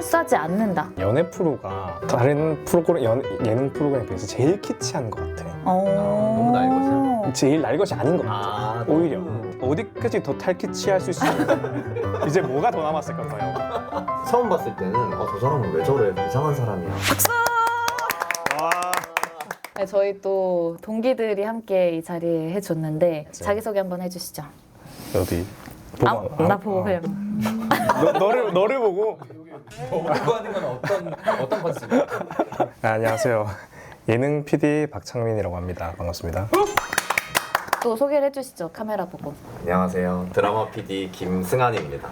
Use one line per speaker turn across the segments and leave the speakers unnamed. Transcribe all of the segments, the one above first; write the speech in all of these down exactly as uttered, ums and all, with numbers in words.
비싸지 않는다.
연애 프로가 다른 프로그램 연, 예능 프로그램에 비해서 제일 키치한 것 같아.
어...
너무 날것이야?
제일 날 것이 아닌 것 같아.
아,
오히려
음.
어디까지 더 탈키치할 수 있을까? 이제 뭐가 더 남았을까 봐요.
처음 봤을 때는 아, 저 사람은 왜 저래? 이상한 사람이야.
와.
네, 저희 또 동기들이 함께 이 자리에 해줬는데
네.
자기소개 한번 해주시죠.
어디?
아,
보고,
나
아,
보고
아.
그냥.
너, 너를 너를 보고.
보고 하는 건 어떤 어떤 컨셉이야?
아, 안녕하세요. 예능 피디 박창민이라고 합니다. 반갑습니다.
또 소개를 해주시죠. 카메라 보고.
안녕하세요. 드라마 피디 김승환입니다.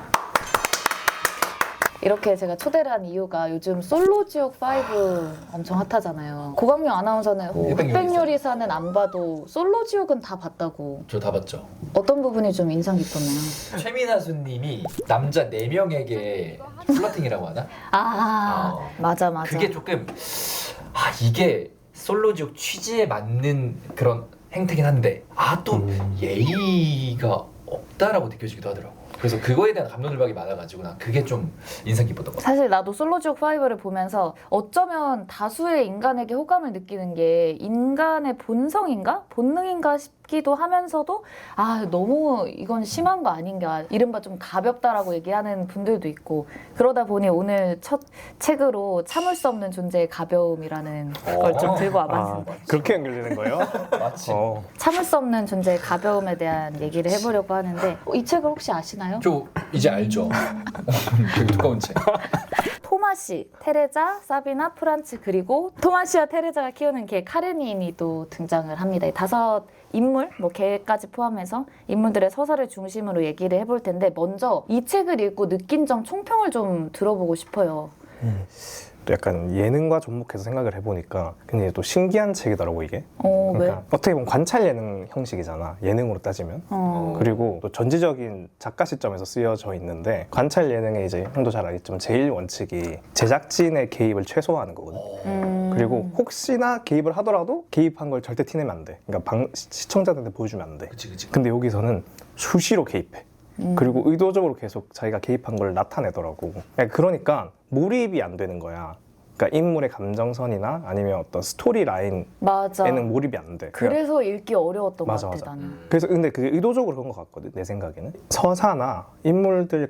이렇게 제가 초대를 한 이유가 요즘 솔로지옥 오 엄청 핫하잖아요. 고광명 아나운서는 흑백요리사는 안 봐도 솔로지옥은 다 봤다고.
저 다 봤죠.
어떤 부분이 좀 인상 깊었나요?
최민아수님이 남자 네 명에게 플러팅이라고 하나?
아
어.
맞아 맞아.
그게 조금 아 이게 솔로지옥 취지에 맞는 그런 행태긴 한데 아 또
음.
예의가 없다라고 느껴지기도 하더라고. 그래서 그거에 대한 감론을박이 많아가지고 난 그게 좀 인상 깊었던 것 같아.
사실 나도 솔로지옥 오를 보면서 어쩌면 다수의 인간에게 호감을 느끼는 게 인간의 본성인가? 본능인가 싶기도 하면서도 아 너무 이건 심한 거 아닌가 이른바 좀 가볍다라고 얘기하는 분들도 있고 그러다 보니 오늘 첫 책으로 참을 수 없는 존재의 가벼움이라는 걸 좀 들고
아,
와봤습니다.
그렇게 연결되는 거예요?
마치
어.
참을 수 없는 존재의 가벼움에 대한 얘기를 해보려고 하는데 이 책을 혹시 아시나요?
저 이제 알죠. 되게 두꺼운 책.
토마시, 테레자, 사비나, 프란츠 그리고 토마시와 테레자가 키우는 개 카레닌이 또 등장을 합니다. 이 다섯 인물, 뭐 개까지 포함해서 인물들의 서사를 중심으로 얘기를 해볼 텐데 먼저 이 책을 읽고 느낀 점 총평을 좀 들어보고 싶어요.
음. 또 약간 예능과 접목해서 생각을 해보니까 굉장히 또 신기한 책이더라고 이게.
어,
그러니까
왜?
어떻게 보면 관찰 예능 형식이잖아. 예능으로 따지면.
어,
그리고 또 전지적인 작가 시점에서 쓰여져 있는데 관찰 예능의 이제 형도 잘 알겠지만 제일 원칙이 제작진의 개입을 최소화하는 거거든.
음.
그리고 혹시나 개입을 하더라도 개입한 걸 절대 티내면 안 돼. 그러니까 방, 시청자들한테 보여주면 안 돼.
그치 그치.
근데 여기서는 수시로 개입해.
음.
그리고 의도적으로 계속 자기가 개입한 걸 나타내더라고. 그러니까 몰입이 안 되는 거야. 그러니까 인물의 감정선이나 아니면 어떤 스토리 라인에는
맞아.
몰입이 안 돼.
그래서 읽기 어려웠던
맞아,
것 같아
맞아.
나는.
그래서 근데 그게 의도적으로 그런 것 같거든 내 생각에는. 서사나 인물들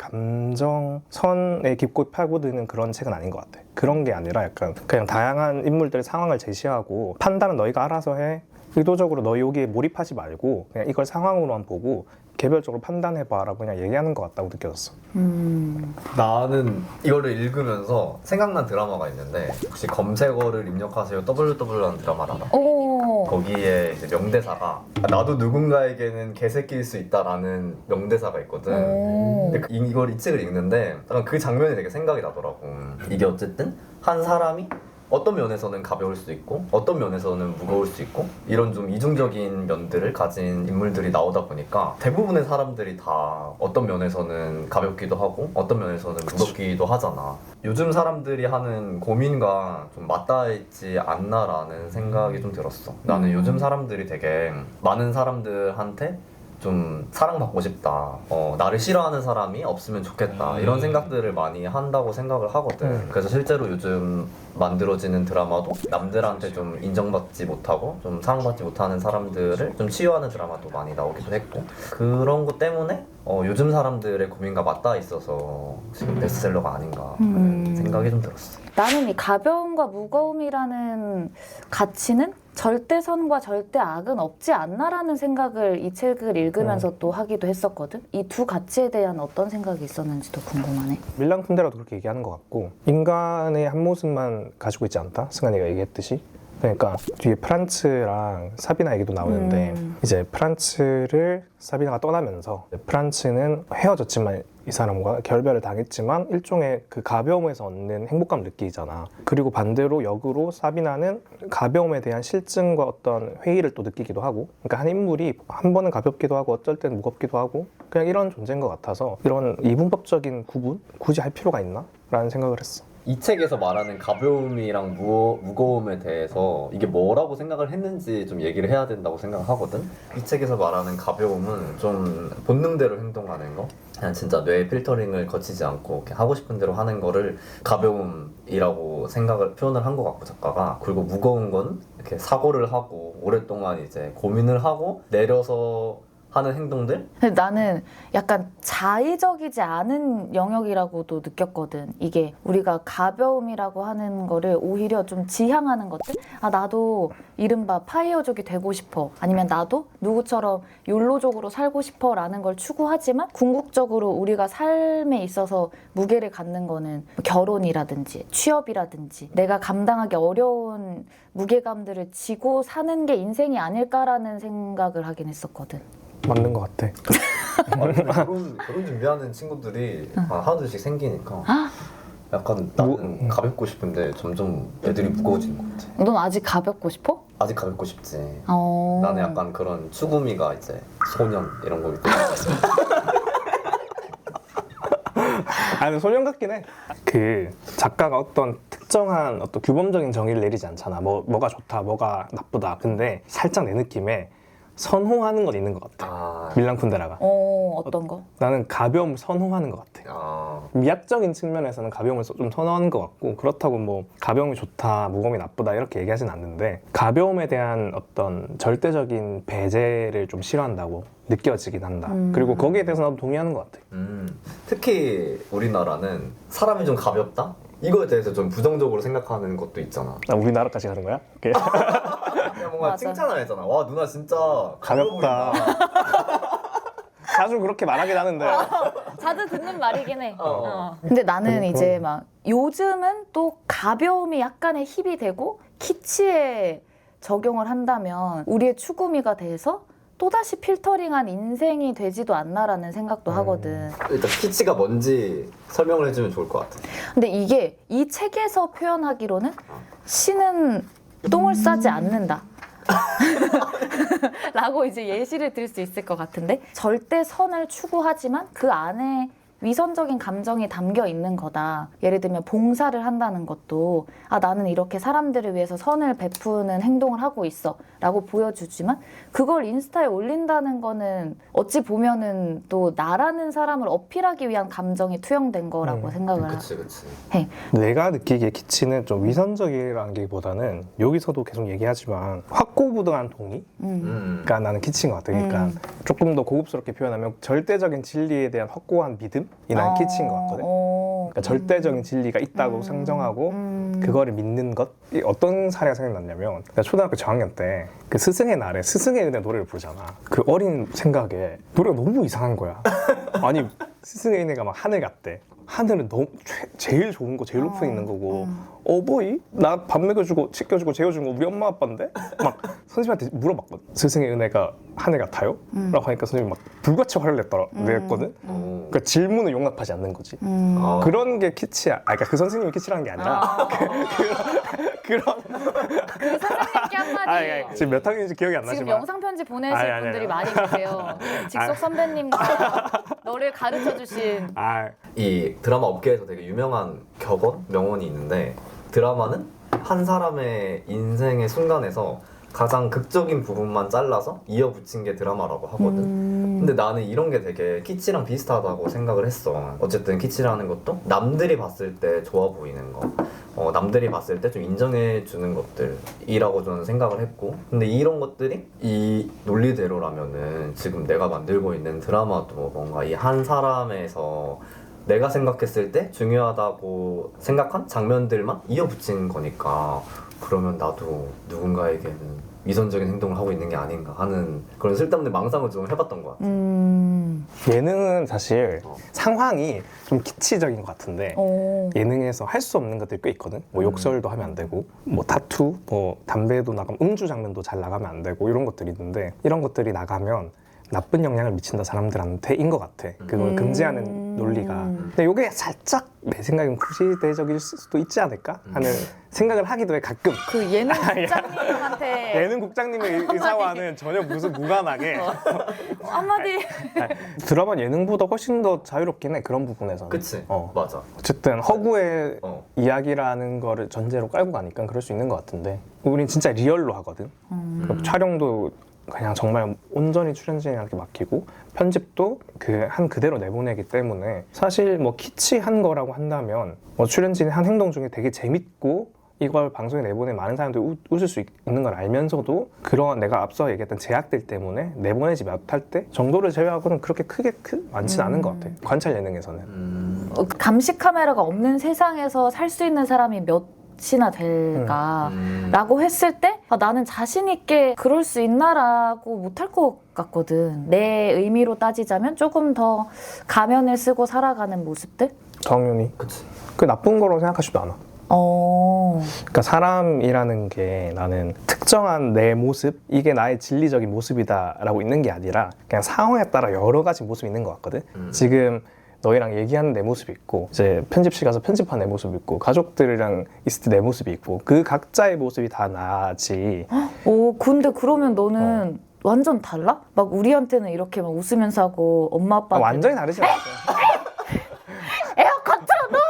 감정선에 깊고 파고드는 그런 책은 아닌 것 같아. 그런 게 아니라 약간 그냥 다양한 인물들의 상황을 제시하고 판단은 너희가 알아서 해. 의도적으로 너 여기에 몰입하지 말고 그냥 이걸 상황으로만 보고 개별적으로 판단해봐라고 그냥 얘기하는 것 같다고 느껴졌어.
음.
나는 이거를 읽으면서 생각난 드라마가 있는데 혹시 검색어를 입력하세요 더블유더블유라는 드라마를 알아?
오.
거기에 이제 명대사가 나도 누군가에게는 개새끼일 수 있다라는 명대사가 있거든.
오.
근데 그- 이걸 이 책을 읽는데 약간 그 장면이 되게 생각이 나더라고. 이게 어쨌든 한 사람이 어떤 면에서는 가벼울 수 있고 어떤 면에서는 무거울 수 있고 이런 좀 이중적인 면들을 가진 인물들이 나오다 보니까 대부분의 사람들이 다 어떤 면에서는 가볍기도 하고 어떤 면에서는 무겁기도 하잖아. 요즘 사람들이 하는 고민과 좀 맞닿아있지 않나라는 생각이 좀 들었어. 나는 요즘 사람들이 되게 많은 사람들한테 좀 사랑받고 싶다. 어, 나를 싫어하는 사람이 없으면 좋겠다. 이런 생각들을 많이 한다고 생각을 하거든.
음.
그래서 실제로 요즘 만들어지는 드라마도 남들한테 좀 인정받지 못하고 좀 사랑받지 못하는 사람들을 좀 치유하는 드라마도 많이 나오기도 했고 그런 것 때문에 어, 요즘 사람들의 고민과 맞닿아 있어서 지금 베스트셀러가 아닌가 하는
음.
생각이 좀 들었어.
나는 이 가벼움과 무거움이라는 가치는 절대선과 절대악은 없지 않나라는 생각을 이 책을 읽으면서 또 하기도 했었거든. 이 두 가치에 대한 어떤 생각이 있었는지도 궁금하네.
밀랑 쿤데라도 그렇게 얘기하는 것 같고 인간의 한 모습만 가지고 있지 않다? 승환이가 얘기했듯이. 그러니까 뒤에 프란츠랑 사비나 얘기도 나오는데
음.
이제 프란츠를 사비나가 떠나면서 프란츠는 헤어졌지만 이 사람과 결별을 당했지만 일종의 그 가벼움에서 얻는 행복감을 느끼잖아. 그리고 반대로 역으로 사비나는 가벼움에 대한 실증과 어떤 회의를 또 느끼기도 하고, 그러니까 한 인물이 한 번은 가볍기도 하고 어쩔 때는 무겁기도 하고 그냥 이런 존재인 것 같아서 이런 이분법적인 구분 굳이 할 필요가 있나? 라는 생각을 했어.
이 책에서 말하는 가벼움이랑 무, 무거움에 대해서 이게 뭐라고 생각을 했는지 좀 얘기를 해야 된다고 생각하거든. 이 책에서 말하는 가벼움은 좀 본능대로 행동하는 거, 그냥 진짜 뇌 필터링을 거치지 않고 이렇게 하고 싶은 대로 하는 거를 가벼움이라고 생각을 표현을 한 것 같고 작가가. 그리고 무거운 건 이렇게 사고를 하고 오랫동안 이제 고민을 하고 내려서 하는 행동들?
근데 나는 약간 자의적이지 않은 영역이라고도 느꼈거든. 이게 우리가 가벼움이라고 하는 거를 오히려 좀 지향하는 것들? 아, 나도 이른바 파이어족이 되고 싶어. 아니면 나도 누구처럼 욜로족으로 살고 싶어 라는 걸 추구하지만 궁극적으로 우리가 삶에 있어서 무게를 갖는 거는 결혼이라든지 취업이라든지 내가 감당하기 어려운 무게감들을 지고 사는 게 인생이 아닐까라는 생각을 하긴 했었거든.
맞는 것 같아.
아니, 결혼, 결혼 준비하는 친구들이 아, 하나둘씩 생기니까 약간 나는
무-
가볍고 싶은데 점점 애들이 무거워지는 것 같아.
넌 아직 가볍고 싶어?
아직 가볍고 싶지.
어...
나는 약간 그런 추구미가 이제 소년 이런 거기 때문에.
아니 소년 같긴 해. 그 작가가 어떤 특정한 어떤 규범적인 정의를 내리지 않잖아. 뭐 뭐가 좋다, 뭐가 나쁘다. 근데 살짝 내 느낌에 선호하는 건 있는 것 같아.
아,
밀란 쿤데라가.
어, 어떤 거?
나는 가벼움을 선호하는 것 같아.
아,
미학적인 측면에서는 가벼움을 좀 선호하는 것 같고, 그렇다고 뭐 가벼움이 좋다, 무거움이 나쁘다 이렇게 얘기하진 않는데, 가벼움에 대한 어떤 절대적인 배제를 좀 싫어한다고 느껴지긴 한다.
음.
그리고 거기에 대해서 나도 동의하는 것 같아.
음, 특히 우리나라는 사람이 좀 가볍다? 이거에 대해서 좀 부정적으로 생각하는 것도 있잖아.
나 우리나라까지 가는 거야? 오케이.
그냥 뭔가
맞아.
칭찬을 하잖아. 와, 누나 진짜
가볍다.
가벼워
자주 그렇게 말하긴 하는데.
자주 듣는 말이긴 해.
어.
어. 근데 나는 이제 막 요즘은 또 가벼움이 약간의 힙이 되고 키치에 적용을 한다면 우리의 추구미가 돼서 또다시 필터링한 인생이 되지도 않나라는 생각도
음.
하거든.
일단 키치가 뭔지 설명을 해주면 좋을 것 같아.
근데 이게 이 책에서 표현하기로는 신은 똥을 싸지 않는다. 라고 이제 예시를 들 수 있을 것 같은데, 절대 선을 추구하지만 그 안에 위선적인 감정이 담겨 있는 거다. 예를 들면 봉사를 한다는 것도 아, 나는 이렇게 사람들을 위해서 선을 베푸는 행동을 하고 있어 라고 보여주지만 그걸 인스타에 올린다는 거는 어찌 보면은 또 나라는 사람을 어필하기 위한 감정이 투영된 거라고
음,
생각을
그치, 그치.
해.
내가 느끼기에 키치는 좀 위선적이라는 게 보다는 여기서도 계속 얘기하지만 확고부동한 동의?
음.
음.
가 나는 키치인 것 같아. 그러니까
음.
조금 더 고급스럽게 표현하면 절대적인 진리에 대한 확고한 믿음이 난 키치인 것 같거든.
어.
그러니까 절대적인 진리가 있다고
음.
상정하고
음.
그거를 믿는 것. 이 어떤 사례가 생각났냐면 내가 초등학교 저학년 때 그 스승의 날에 스승의 은혜 노래를 부르잖아. 그 어린 생각에 노래가 너무 이상한 거야. 아니 스승의 은혜가 막 하늘 같대. 하늘은 너무 최, 제일 좋은 거 제일 높은 데 있는 거고
음.
어버이? 나 밥 먹여주고 씻겨주고 재워준 거 우리 엄마 아빠인데? 막 선생님한테 물어봤거든. 스승의 은혜가 하늘 같아요?
음.
라고 하니까 선생님이 막 불같이 화를 냈더라, 냈거든.
오.
그러니까 질문을 용납하지 않는 거지.
음.
아.
그런 게 키치야. 아, 그러니까 그 선생님이 키치라는 게 아니라
아.
그런
그 선생님께 한마디.
아, 예, 지금 몇 학년인지 기억이 안
지금
나지만
영상 편지 보내실
아니, 아니,
분들이
아니.
많이 계세요. 직속 선배님과 너를 가르쳐 주신.
아,
이 드라마 업계에서 되게 유명한 격언, 명언이 있는데, 드라마는 한 사람의 인생의 순간에서 가장 극적인 부분만 잘라서 이어붙인 게 드라마라고 하거든.
음.
근데 나는 이런 게 되게 키치랑 비슷하다고 생각을 했어. 어쨌든 키치라는 것도 남들이 봤을 때 좋아 보이는 거, 어, 남들이 봤을 때 좀 인정해 주는 것들이라고 저는 생각을 했고, 근데 이런 것들이 이 논리대로라면은 지금 내가 만들고 있는 드라마도 뭔가 이 한 사람에서 내가 생각했을 때 중요하다고 생각한 장면들만 이어붙인 거니까, 그러면 나도 누군가에게는 위선적인 행동을 하고 있는 게 아닌가 하는 그런 쓸데없는 망상을 좀 해봤던 것 같아.
음.
예능은 사실
어.
상황이 좀 키치적인 것 같은데
오.
예능에서 할 수 없는 것들이 꽤 있거든. 뭐
음.
욕설도 하면 안 되고, 뭐 타투, 뭐 담배도 나가면 음주 장면도 잘 나가면 안 되고 이런 것들이 있는데, 이런 것들이 나가면 나쁜 영향을 미친다 사람들한테인 것 같아. 그걸
음.
금지하는 논리가. 근데 이게 살짝 내 생각엔 구시대적일 수도 있지 않을까 하는 생각을 하기도 해 가끔.
그 예능 국장님한테
예능 국장님의 의사와는 전혀 무슨 무관하게
한마디
드라마 예능보다 훨씬 더 자유롭긴 해 그런 부분에서는.
그치.
어.
맞아.
어쨌든 허구의
어.
이야기라는 거를 전제로 깔고 가니까 그럴 수 있는 것 같은데 우린 진짜 리얼로 하거든.
음.
촬영도 그냥 정말 온전히 출연진한테 맡기고 편집도 그 한 그대로 내보내기 때문에 사실 뭐 키치한 거라고 한다면 뭐 출연진의 한 행동 중에 되게 재밌고 이걸 방송에 내보내 많은 사람들이 우, 웃을 수 있, 있는 걸 알면서도 그런 내가 앞서 얘기했던 제약들 때문에 내보내지 못할 때 정도를 제외하고는 그렇게 크게 크, 많지는 않은 것 같아. 관찰 예능에서는.
음.
어, 감시 카메라가 없는 세상에서 살 수 있는 사람이 몇이나 될까?
음.
라고 했을 때 아, 나는 자신 있게 그럴 수 있나라고 못할 것 같거든. 내 의미로 따지자면 조금 더 가면을 쓰고 살아가는 모습들?
당연히.
그치.
그 나쁜 거라고 생각하지도 않아.
어...
그러니까 사람이라는 게 나는 특정한 내 모습, 이게 나의 진리적인 모습이다라고 있는 게 아니라 그냥 상황에 따라 여러 가지 모습이 있는 것 같거든.
음.
지금 너희랑 얘기하는 내 모습이 있고 이제 편집실 가서 편집한 내 모습이 있고 가족들이랑 있을 때 내 모습이 있고 그 각자의 모습이 다 나지.
오, 근데 그러면 너는 완전 달라? 막 우리한테는 이렇게 막 웃으면서 하고 엄마
아,
아빠한테
완전히 다르지 않아.
에어컨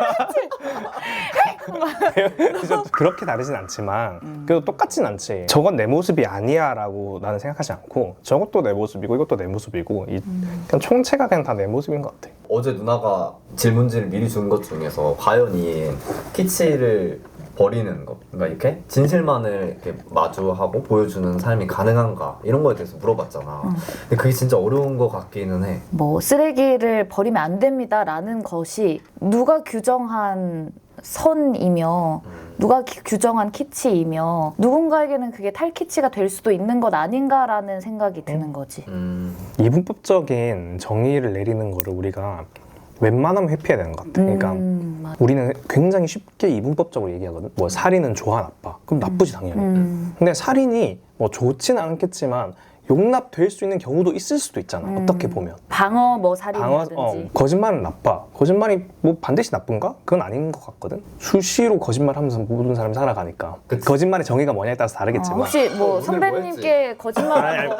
그래서 그렇게 다르진 않지만 그래도 똑같진 않지. 저건 내 모습이 아니야 라고 나는 생각하지 않고 저것도 내 모습이고 이것도 내 모습이고 이 그냥 총체가 그냥 다 내 모습인 것 같아.
어제 누나가 질문지를 미리 준 것 중에서 과연 이 키치를 버리는 것, 그러니까 이렇게 진실만을 이렇게 마주하고 보여주는 삶이 가능한가 이런 거에 대해서 물어봤잖아.
음.
근데 그게 진짜 어려운 것 같기는 해.
뭐 쓰레기를 버리면 안 됩니다라는 것이 누가 규정한 선이며 누가 기- 규정한 키치이며 누군가에게는 그게 탈키치가 될 수도 있는 것 아닌가라는 생각이 드는 거지.
음.
이분법적인 정의를 내리는 거를 우리가 웬만하면 회피해야 되는 것 같아. 그러니까
음, 맞-
우리는 굉장히 쉽게 이분법적으로 얘기하거든. 뭐 살인은 좋아 나빠? 그럼 나쁘지 당연히.
음.
근데 살인이 뭐 좋지는 않겠지만 용납될 수 있는 경우도 있을 수도 있잖아.
음.
어떻게 보면.
방어 뭐
방어,
살인이라든지.
어, 거짓말은 나빠. 거짓말이 뭐 반드시 나쁜가? 그건 아닌 것 같거든. 수시로 거짓말하면서 모든 사람이 살아가니까.
그치.
거짓말의 정의가 뭐냐에 따라서
어,
다르겠지만.
혹시 뭐
어, 오늘
선배님께 거짓말하는 거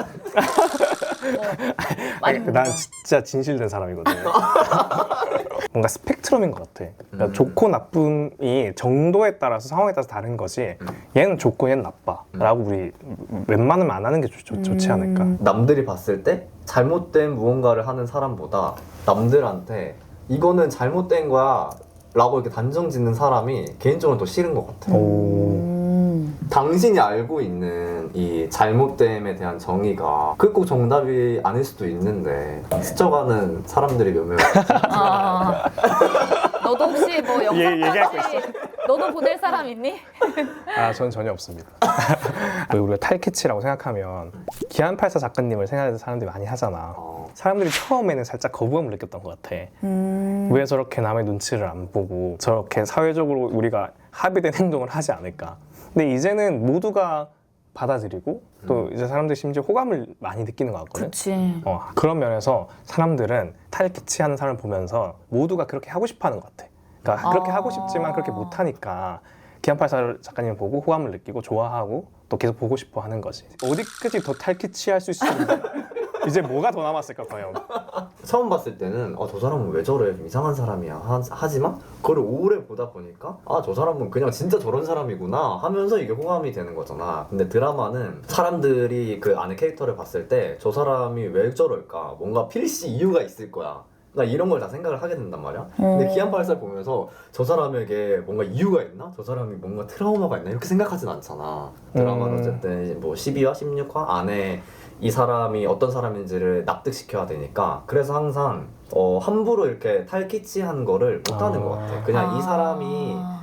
아니, 난 진짜 진실된 사람이거든. 뭔가 스펙트럼인 것 같아. 그러니까
음.
좋고 나쁨이 정도에 따라서 상황에 따라서 다른 거지.
음.
얘는 좋고 얘는 나빠. 라고 우리 웬만하면 안 하는 게 좋, 좋, 좋지 않을까.
음.
남들이 봤을 때 잘못된 무언가를 하는 사람보다 남들한테 이거는 잘못된 거야 라고 이렇게 단정 짓는 사람이 개인적으로 더 싫은 것 같아.
오.
음.
당신이 알고 있는 이 잘못됨에 대한 정의가 그게 꼭 정답이 아닐 수도 있는데 스쳐가는 사람들이 몇 명.
아. 너도 혹시 뭐
얘- 얘기할 거
영상까지 너도 보낼 사람 있니?
아, 저는 전혀 없습니다. 왜 우리가 탈캐치라고 생각하면 기안팔사 작가님을 생각해서 사람들이 많이 하잖아.
어.
사람들이 처음에는 살짝 거부감을 느꼈던 것 같아.
음.
왜 저렇게 남의 눈치를 안 보고 저렇게 사회적으로 우리가 합의된 행동을 하지 않을까. 근데 이제는 모두가 받아들이고 또 이제 사람들이 심지어 호감을 많이 느끼는 것 같거든.
그렇지.
어, 그런 면에서 사람들은 탈캐치하는 사람을 보면서 모두가 그렇게 하고 싶어하는 것 같아. 그러니까
아.
그렇게 하고 싶지만 그렇게 못하니까 기안팔사 작가님 보고 호감을 느끼고 좋아하고 또 계속 보고 싶어 하는 거지. 어디까지 더 탈캐치할 수 있을까? 이제 뭐가 더 남았을까 과연?
처음 봤을 때는 아, 저 사람은 왜 저래 좀 이상한 사람이야 하, 하지만 그걸 오래 보다 보니까 아, 저 사람은 그냥 진짜 저런 사람이구나 하면서 이게 호감이 되는 거잖아. 근데 드라마는 사람들이 그 안에 캐릭터를 봤을 때 저 사람이 왜 저럴까 뭔가 필시 이유가 있을 거야. 나 이런 걸 다 생각을 하게 된단 말이야. 근데
음.
기안팔사 보면서 저 사람에게 뭔가 이유가 있나? 저 사람이 뭔가 트라우마가 있나? 이렇게 생각하진 않잖아. 드라마는
음.
어쨌든 뭐 십이 화, 십육 화 안에 이 사람이 어떤 사람인지를 납득시켜야 되니까 그래서 항상 어, 함부로 이렇게 탈키치한 거를 못하는
아.
것 같아. 그냥 이
아.
사람이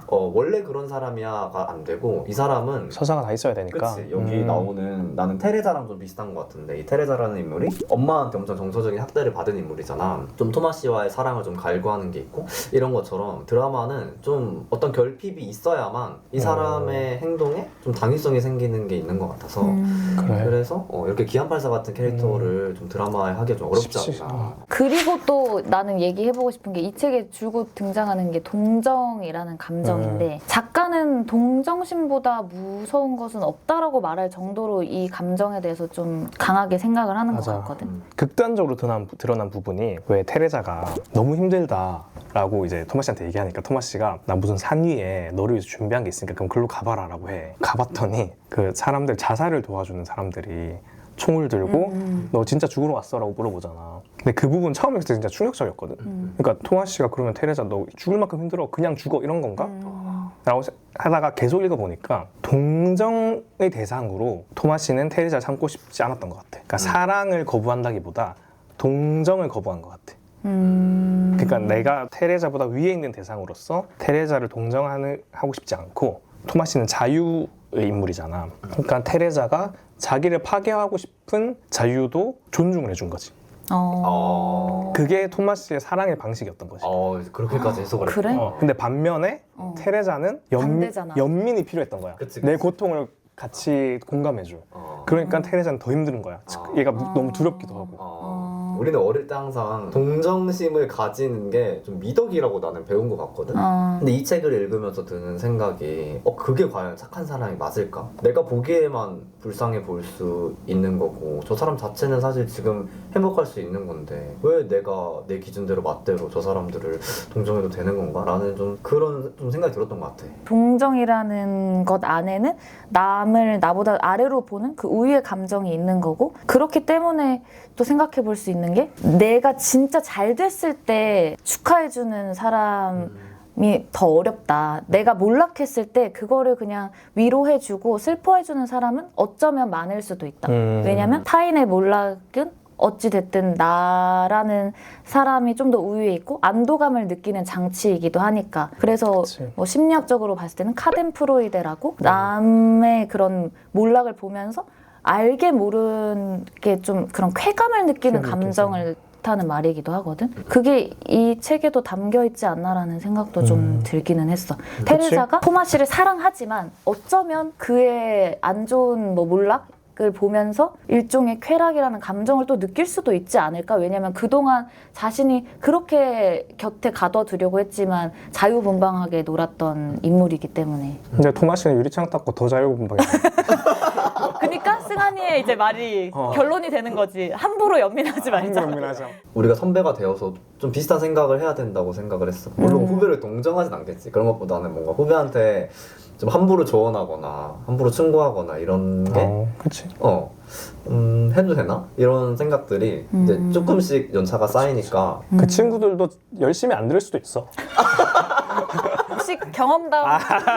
어, 원래 그런 사람이야가 안 되고 이 사람은
서사가 다 있어야 되니까.
그치 여기
음.
나오는 나는 테레자랑 좀 비슷한 것 같은데 이 테레자라는 인물이 엄마한테 엄청 정서적인 학대를 받은 인물이잖아. 좀 토마 씨와의 사랑을 좀 갈구하는 게 있고 이런 것처럼 드라마는 좀 어떤 결핍이 있어야만 이 사람의 행동에 좀 당위성이 생기는 게 있는 것 같아서
음.
그래.
그래서 어, 이렇게 기안팔사 같은 캐릭터를 좀 드라마에 하기가 좀 어렵지
쉽지.
않나.
어.
그리고 또 나는 얘기해보고 싶은 게 이 책에 줄곧 등장하는 게 동정이라는 감정인데 작가는 동정심보다 무서운 것은 없다라고 말할 정도로 이 감정에 대해서 좀 강하게 생각을 하는
맞아.
것 같거든.
음.
극단적으로 드러난, 드러난 부분이 왜 테레자가 너무 힘들다라고 이제 토마 씨한테 얘기하니까 토마 씨가 나 무슨 산 위에 너를 위해서 준비한 게 있으니까 그럼 글로 가봐라라고 해. 가봤더니 그 사람들 자살을 도와주는 사람들이 총을 들고
음.
너 진짜 죽으러 왔어라고 물어보잖아. 근데 그 부분 처음에 그때 진짜 충격적이었거든.
음.
그러니까 토마 씨가 그러면 테레자 너 죽을 만큼 힘들어 그냥 죽어 이런 건가?
음.
라고 하다가 계속 읽어보니까 동정의 대상으로 토마 씨는 테레자를 삼고 싶지 않았던 것 같아. 그러니까
음.
사랑을 거부한다기보다 동정을 거부한 것 같아.
음.
그러니까 내가 테레자보다 위에 있는 대상으로서 테레자를 동정하고 싶지 않고 토마 씨는 자유의 인물이잖아. 그러니까 테레자가 자기를 파괴하고 싶은 자유도 존중을 해준 거지.
어.
어.
그게 토마 씨의 사랑의 방식이었던 거지.
어 그렇게까지 해석을
그래?
했구나.
어, 근데 반면에
어.
테레자는 연민,
반대잖아.
연민이 필요했던 거야.
그치,
내
그치.
고통을 같이 공감해줘.
어.
그러니까
음.
테레자는 더 힘든 거야.
아.
얘가
아.
너무 두렵기도 하고.
어.
어.
우리는 어릴 때 항상 동정심을 가지는 게 좀 미덕이라고 나는 배운 것 같거든.
어.
근데 이 책을 읽으면서 드는 생각이 어 그게 과연 착한 사람이 맞을까? 내가 보기에만 불쌍해 보일 수 있는 거고 저 사람 자체는 사실 지금 행복할 수 있는 건데 왜 내가 내 기준대로 맛대로 저 사람들을 동정해도 되는 건가? 라는 좀 그런 좀 생각이 들었던 것 같아.
동정이라는 것 안에는 남을 나보다 아래로 보는 그 우위의 감정이 있는 거고 그렇기 때문에 또 생각해 볼 수 있는 게 내가 진짜 잘 됐을 때 축하해주는 사람이 더 어렵다. 내가 몰락했을 때 그거를 그냥 위로해주고 슬퍼해주는 사람은 어쩌면 많을 수도 있다.
음.
왜냐면 타인의 몰락은 어찌됐든 나라는 사람이 좀 더 우위에 있고 안도감을 느끼는 장치이기도 하니까 그래서
그치.
뭐 심리학적으로 봤을 때는 카덴프로이데라고 남의 그런 몰락을 보면서 알게 모르게 좀 그런 쾌감을 느끼는
쾌감을
감정을 하는 말이기도 하거든. 그게 이 책에도 담겨 있지 않나라는 생각도 좀
음.
들기는 했어. 테레자가 토마 씨를 사랑하지만 어쩌면 그의 안 좋은 뭐 몰락을 보면서 일종의 쾌락이라는 감정을 또 느낄 수도 있지 않을까? 왜냐면 그동안 자신이 그렇게 곁에 가둬두려고 했지만 자유분방하게 놀았던 인물이기 때문에.
근데 토마 씨는 유리창 닦고 더 자유분방해.
그러니까 승한이의 이제 말이
어.
결론이 되는 거지. 함부로 연민하지 말자.
연민하자.
우리가 선배가 되어서 좀 비슷한 생각을 해야 된다고 생각을 했어. 물론
음.
후배를 동정하진 않겠지. 그런 것보다는 뭔가 후배한테 좀 함부로 조언하거나 함부로 충고하거나 이런 게
어, 그치.
어, 음, 해도 되나? 이런 생각들이
음.
이제 조금씩 연차가 쌓이니까
그 친구들도 열심히 안 들을 수도 있어.
혹시 경험담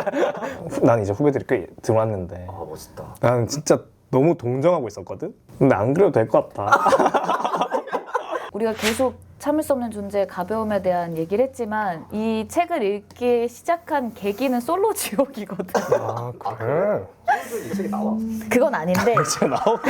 난 이제 후배들이 꽤 들어왔는데
아 멋있다.
나는 진짜 너무 동정하고 있었거든? 근데 안 그래도 될 것 같다.
우리가 계속 참을 수 없는 존재의 가벼움에 대한 얘기를 했지만 이 책을 읽기 시작한 계기는 솔로 지옥이거든.
아, 그래?
이 책이 나와?
그건 아닌데
진짜 나오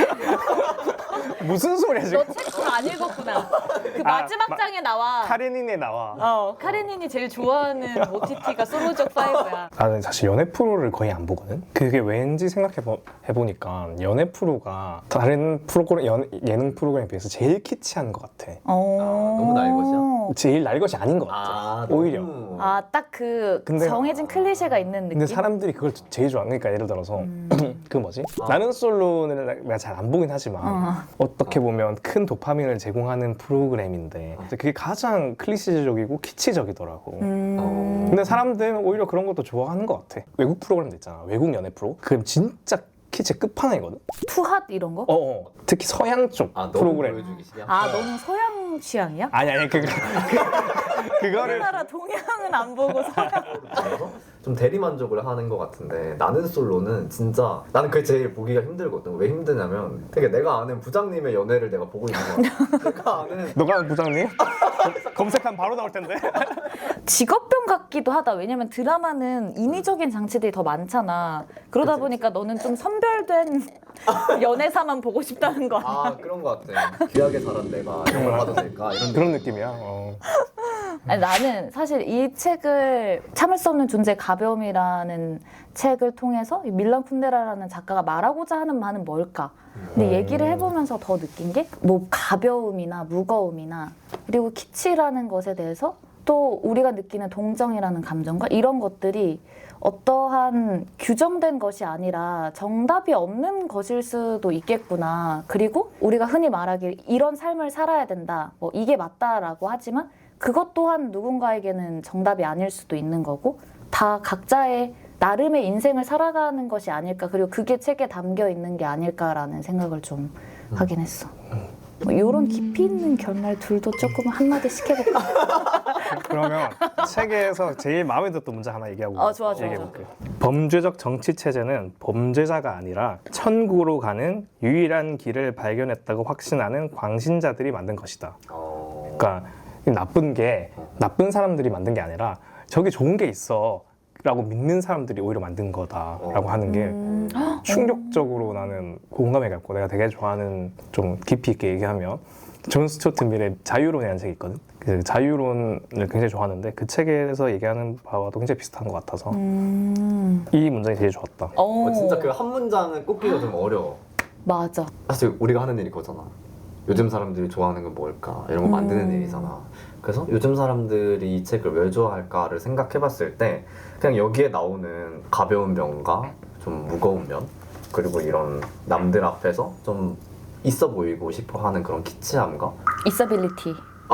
무슨 소리야 지금?
너 책 안 읽었구나. 그
아,
마지막
마-
장에 나와.
카레닌에 나와.
어, 카레닌이 제일 좋아하는 오티티가 솔로적 파이브야.
나는 사실 연애 프로를 거의 안 보거든? 그게 왠지 생각해보니까 연애 프로가 다른 프로그램, 연, 예능 프로그램에 비해서 제일 키치한 것 같아.
어.
너무 날 것이야?
제일 날 것이 아닌 것 같아.
아
오히려.
너무-
아, 딱 그
근데-
정해진 클리셰가 있는 느낌?
근데 사람들이 그걸 제일 좋아해. 그러니까 예를 들어서
음.
그 뭐지?
아.
나는 솔로는 내가 잘 안 보긴 하지만
어.
어떻게 보면 큰 도파민을 제공하는 프로그램인데 그게 가장 클리시적이고 키치적이더라고.
음.
근데 사람들은 오히려 그런 것도 좋아하는 것 같아. 외국 프로그램도 있잖아. 외국 연애 프로. 그럼 진짜 키치 끝판왕이거든.
투핫 이런 거?
어, 어. 특히 서양 쪽
아 너무
프로그램.
보여주기 싫어?
아, 너는 서양 취향이야?
아니 아니 그 그거를
우리나라 동양은 안 보고 서양.
그래서 좀 대리 만족을 하는 것 같은데 나는 솔로는 진짜 나는 그게 제일 보기가 힘들거든. 왜 힘드냐면 되게 내가 아는 부장님의 연애를 내가 보고 있는 거야. 내가 아는
너가 부장님? 검색하면 바로 나올 텐데.
직업병 같기도 하다. 왜냐면 드라마는 인위적인 장치들이 더 많잖아. 그러다
그치,
보니까 너는 좀 선별된 연애사만 보고 싶다는 거 아니야?
아 그런 것 같아. 귀하게 자란 내가 이런 걸 봐도 될까 이런
그런 느낌이야. 어.
아니, 나는 사실 이 책을 참을 수 없는 존재 가벼움이라는 책을 통해서 이 밀란 쿤데라라는 작가가 말하고자 하는 말은 뭘까? 근데
음.
얘기를 해보면서 더 느낀 게 뭐 가벼움이나 무거움이나 그리고 키치라는 것에 대해서 또 우리가 느끼는 동정이라는 감정과 이런 것들이 어떠한 규정된 것이 아니라 정답이 없는 것일 수도 있겠구나. 그리고 우리가 흔히 말하길 이런 삶을 살아야 된다. 뭐 이게 맞다라고 하지만 그것 또한 누군가에게는 정답이 아닐 수도 있는 거고 다 각자의 나름의 인생을 살아가는 것이 아닐까. 그리고 그게 책에 담겨 있는 게 아닐까라는 생각을 좀 하긴 했어. 뭐 이런 깊이 있는 결말 둘도 조금 한마디씩 해볼까?
그러면 책에서 제일 마음에 들었던 문제 하나 얘기하고
어, 좋아, 좋아,
얘기해볼게. 범죄적 정치 체제는 범죄자가 아니라 천국으로 가는 유일한 길을 발견했다고 확신하는 광신자들이 만든 것이다.
어...
그러니까 이 나쁜 게 나쁜 사람들이 만든 게 아니라 저기 좋은 게 있어 라고 믿는 사람들이 오히려 만든 거다라고 하는 게
음,
충격적으로 나는 공감이 갔고 내가 되게 좋아하는 좀 깊이 있게 얘기하면 존 스튜어트 밀의 자유론이라는 책이 있거든. 그 자유론을 굉장히 좋아하는데 그 책에서 얘기하는 바와도 굉장히 비슷한 것 같아서
음.
이 문장이 되게 좋았다.
어, 진짜 그 한 문장은 꼽기가 좀 어려워.
맞아.
사실 우리가 하는 일이 그거잖아. 요즘 사람들이 좋아하는 건 뭘까? 이런 거 만드는
음.
일이잖아. 그래서 요즘 사람들이 이 책을 왜 좋아할까를 생각해봤을 때 그냥 여기에 나오는 가벼운 면과 좀 무거운 면 그리고 이런 남들 앞에서 좀 있어 보이고 싶어하는 그런 키치함과
있어빌리티.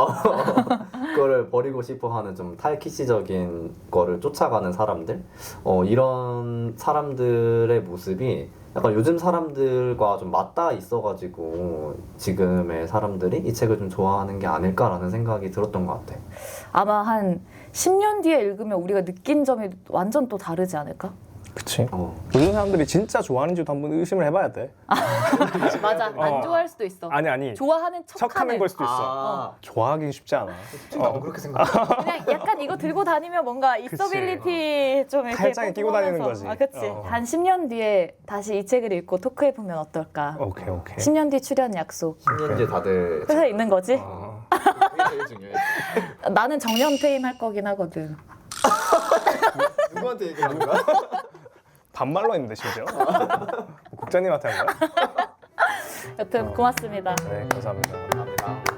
그거를 버리고 싶어하는 좀 탈키시적인 거를 쫓아가는 사람들 어, 이런 사람들의 모습이 약간 요즘 사람들과 좀 맞닿아 있어가지고 지금의 사람들이 이 책을 좀 좋아하는 게 아닐까라는 생각이 들었던 것 같아.
아마 한 십 년 뒤에 읽으면 우리가 느낀 점이 완전 또 다르지 않을까?
그치?
어.
요즘 사람들이 진짜 좋아하는지도 한번 의심을 해봐야 돼.
맞아. 안
어.
좋아할 수도 있어.
아니 아니
좋아하는 척하는.
척하는 걸 수도 있어.
아,
좋아하긴 쉽지 않아.
나도 그렇게 생각해.
그냥 약간 이거 들고 다니면 뭔가 있어빌리티 좀 이렇게
팔짱에 끼고 다니는
뽀뽀하면서.
거지.
아, 그치.
어.
한 십 년 뒤에 다시 이 책을 읽고 토크해보면 어떨까?
오케이 오케이.
십 년 뒤 출연 약속.
십 년 뒤에 다들
회사에 있는 거지?
어.
그게 제일 중요해.
나는 정년퇴임 할 거긴 하거든.
누구한테 얘기하는 거야?
반말로 했는데 심지어. 국장님한테 한 거야?
여튼 고맙습니다.
네 감사합니다.
감사합니다.